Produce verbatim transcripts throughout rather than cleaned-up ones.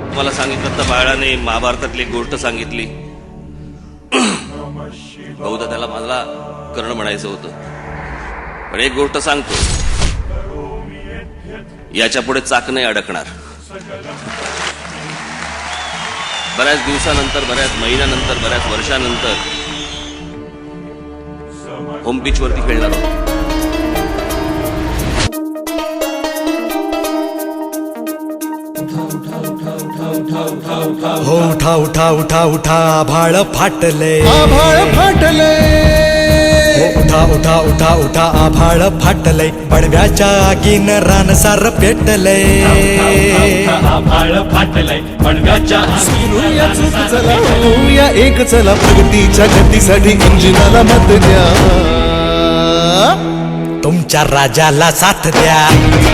मला सांगितलं तर बाळाने महाभारतातली एक गोष्ट सांगितली. बहुधा त्याला मला कर्ण म्हणायचं होतं, पण एक गोष्ट सांगतो, याच्या पुढे चाक नाही अडकणार. बऱ्याच दिवसानंतर, बऱ्याच महिन्यानंतर, बऱ्याच वर्षानंतर होम पिच वरती खेळणार आहोत. हो उठा उठा उठा उठा आभाळ फाटले, आभाळ फाटले. हो उठा उठा उठा उठा आभाळ फाटले, पडव्याच्या आगीन रान सार पेटले. आभाळ फाटलंय पडव्याच्या फिरूया चूक चला होऊया एक, चला प्रगतीच्या गतीसाठी इंजिनाला मत द्या. तुमच्या राजाला साथ द्या,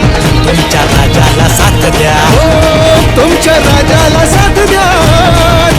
तुमच्या राजाला साथ द्या, हो, तुमच्या राजाला साथ द्या.